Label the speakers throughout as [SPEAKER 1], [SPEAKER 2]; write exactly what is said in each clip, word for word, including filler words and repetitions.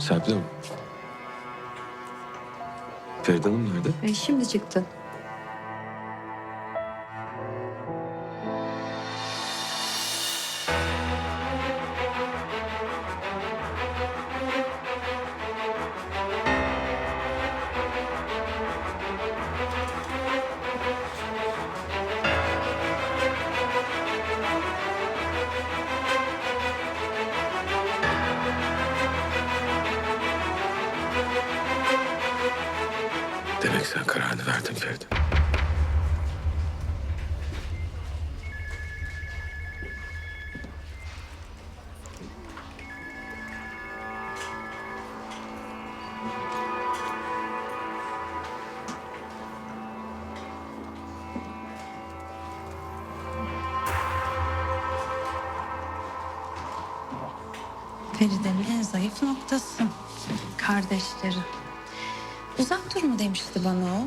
[SPEAKER 1] Serpil Hanım. Feride Hanım nerede?
[SPEAKER 2] E, şimdi çıktı.
[SPEAKER 1] Demek sen kararını verdin Feride.
[SPEAKER 3] Feride'nin en zayıf noktası. Kardeşleri. Uzak dur mu demişti bana o?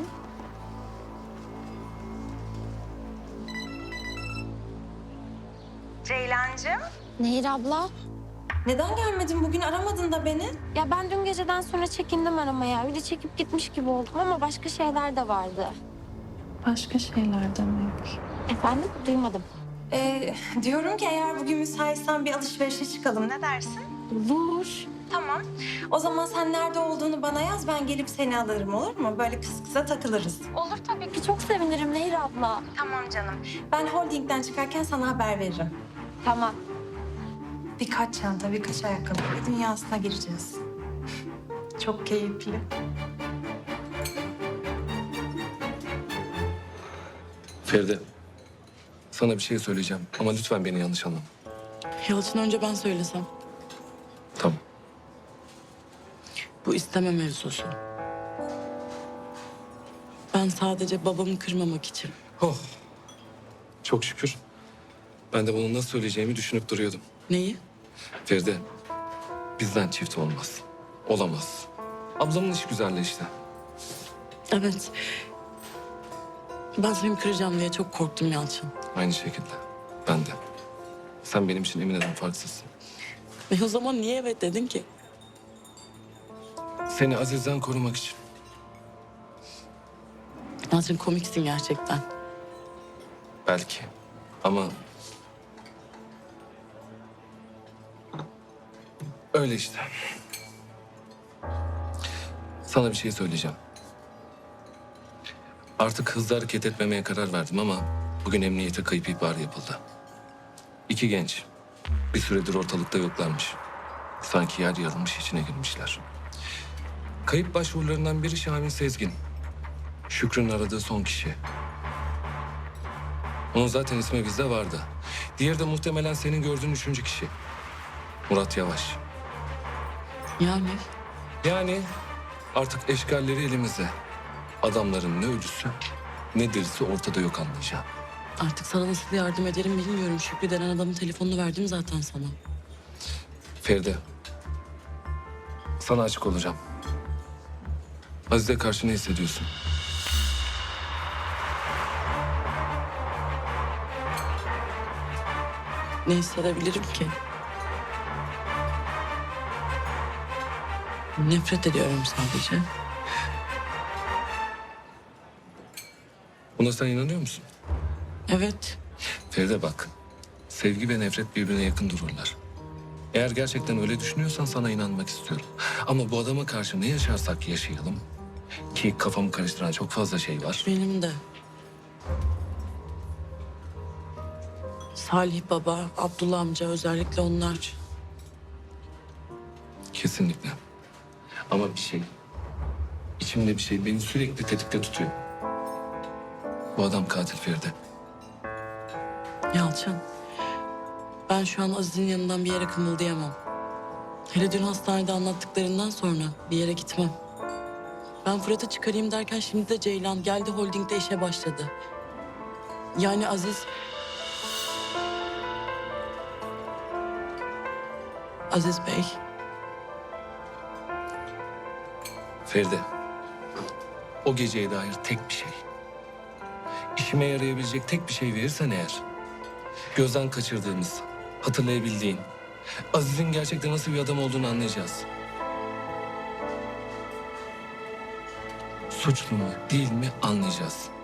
[SPEAKER 4] Ceylancığım.
[SPEAKER 5] Nehir abla.
[SPEAKER 4] Neden gelmedin bugün, aramadın da beni?
[SPEAKER 5] Ya ben dün geceden sonra çekindim aramaya. Öyle çekip gitmiş gibi oldum ama başka şeyler de vardı.
[SPEAKER 3] Başka şeyler demek.
[SPEAKER 5] Efendim? Duymadım.
[SPEAKER 4] Ee, diyorum ki eğer bugün müsaitsen bir alışverişe çıkalım, ne dersin?
[SPEAKER 5] Olur.
[SPEAKER 4] Tamam. O zaman sen nerede olduğunu bana yaz, ben gelip seni alırım, olur mu? Böyle kız kıza takılırız.
[SPEAKER 5] Olur tabii ki. Çok sevinirim Nehir abla.
[SPEAKER 4] Tamam canım. Ben holdingden çıkarken sana haber veririm.
[SPEAKER 5] Tamam.
[SPEAKER 4] Birkaç çanta, birkaç ayakkabı ve dünyasına gireceğiz. Çok keyifli.
[SPEAKER 1] Feride. Sana bir şey söyleyeceğim ama lütfen beni yanlış anlama.
[SPEAKER 6] Yalçın önce ben söylesem.
[SPEAKER 1] Tamam.
[SPEAKER 6] Bu isteme mevzusu. Ben sadece babamı kırmamak için.
[SPEAKER 1] Oh. Çok şükür. Ben de bunu nasıl söyleyeceğimi düşünüp duruyordum.
[SPEAKER 6] Neyi?
[SPEAKER 1] Feride, bizden çift olmaz. Olamaz. Ablamın iş güzelliği işte.
[SPEAKER 6] Evet. Ben seni kıracağım diye çok korktum Yalçın.
[SPEAKER 1] Aynı şekilde. Ben de. Sen benim için Emine'den farksızsın.
[SPEAKER 6] Ve o zaman niye evet dedin ki?
[SPEAKER 1] Seni Aziz'den korumak için.
[SPEAKER 6] Yalçın komiksin gerçekten.
[SPEAKER 1] Belki. Ama... Öyle işte. Sana bir şey söyleyeceğim. Artık hızlı hareket etmemeye karar verdim ama... Bugün emniyete kayıp ihbarı yapıldı. İki genç. Bir süredir ortalıkta yoklarmış. Sanki yer yarılmış içine girmişler. Kayıp başvurularından biri Şahin Sezgin. Şükrü'nün aradığı son kişi. Onun zaten ismi bizde vardı. Diğeri de muhtemelen senin gördüğün üçüncü kişi. Murat Yavaş.
[SPEAKER 6] Yani
[SPEAKER 1] Yani artık eşkalleri elimizde. Adamların ne ölüsü ne dirisi ortada yok anlayacağım.
[SPEAKER 6] artık sana nasıl yardım ederim bilmiyorum. Şükrü denen adamın telefonunu verdim zaten sana.
[SPEAKER 1] Feride. Sana açık olacağım. Aziz'e karşı ne hissediyorsun?
[SPEAKER 6] Ne hissedebilirim ki? Nefret ediyorum sadece.
[SPEAKER 1] Buna sen inanıyor musun?
[SPEAKER 6] Evet.
[SPEAKER 1] Feride bak. Sevgi ve nefret birbirine yakın dururlar. Eğer gerçekten öyle düşünüyorsan sana inanmak istiyorum. Ama bu adama karşı ne yaşarsak yaşayalım... ki kafamı karıştıran çok fazla şey var.
[SPEAKER 6] Benim de. Salih baba, Abdullah amca özellikle onlar.
[SPEAKER 1] Kesinlikle. Ama bir şey... içimde bir şey beni sürekli tetikte tutuyor. Bu adam katil Feride.
[SPEAKER 6] Yalçın, ben şu an Aziz'in yanından bir yere kımıldayamam. Hele dün hastanede anlattıklarından sonra bir yere gitmem. Ben Fırat'ı çıkarayım derken şimdi de Ceylan geldi holdingde işe başladı. Yani Aziz... Aziz Bey,
[SPEAKER 1] Feride. O geceye dair tek bir şey. İşime yarayabilecek tek bir şey verirsen eğer... gözden kaçırdığımız, hatırlayabildiğin... Aziz'in gerçekten nasıl bir adam olduğunu anlayacağız. suçlu mu değil mi anlayacağız.